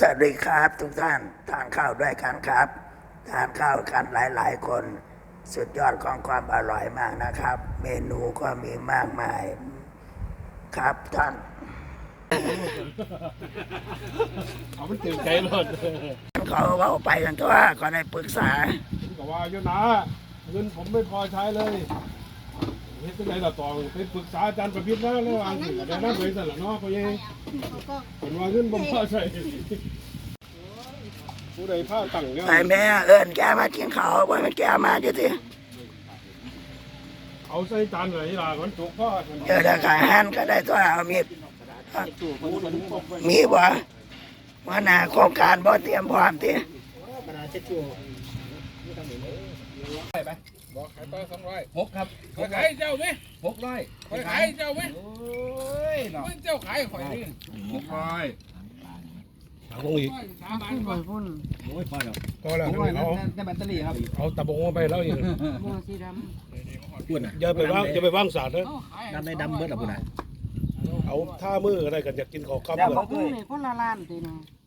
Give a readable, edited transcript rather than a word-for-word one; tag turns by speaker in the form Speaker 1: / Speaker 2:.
Speaker 1: สวัสดีครับทุกท่านทานข้าวด้วยกันครับทานข้าวกันหลายๆคนสุดยอดของความอร่อยมากนะครับ เมนูก็มีมากมายครับท่าน
Speaker 2: เอามันตื่นใจหมด
Speaker 1: เขาเอาไปกันตัวก็ได้ปรึกษา
Speaker 2: ก็ว่าอยู่นะเงินผมไม่พอใช้เลยเฮ็ดจังได๋ล่ะตองไปปรึกษาอาจารย์ประพิษนะแล้วว่าสิได้นำไปซั่นล่ะเนาะพ่อใหญ่เพิ่นว่าเงินบ่พอใช้ผู้ใดพาตั้งเนี่ย
Speaker 1: ไอ้แม่เอิญแกมากินข้าวว่ามันแกมาอยู่ที่
Speaker 2: เอาใส่จานไหนล่ะมันตกพ่อ
Speaker 1: เจอแต่ขาหันก็ได้ตัวเอามีดมีบ่ว่าหน้าโครงการบ่เตรียมพร้อมที่
Speaker 3: บอกขายต่อ200
Speaker 4: 6ครับ
Speaker 3: ขายเจ้าไหม
Speaker 4: 600
Speaker 3: ขายเจ้าไหม
Speaker 4: โอ้ยเนาะ
Speaker 3: มันเจ้าขายข่อยนี่
Speaker 2: เอาลงอีก
Speaker 3: 3 บาทก่อน
Speaker 4: โอ้ยพอแล้ว
Speaker 2: ก็แล้ว
Speaker 4: ผมว่าได้แบตเตอรี่ครับ
Speaker 2: เอาตะบงมาไปแล้วอีก
Speaker 4: พูดนะ
Speaker 2: อย่าไปวางสาดนะ
Speaker 4: น้ำในดำเบิดอ่ะพูดนะ
Speaker 2: เอาท่ามือก็ได้กันอยากกินข้าวกับ
Speaker 4: แล้ว
Speaker 2: เลย
Speaker 4: เขาเค
Speaker 5: นี่
Speaker 4: ย
Speaker 5: นี่คนละล้านตีนะ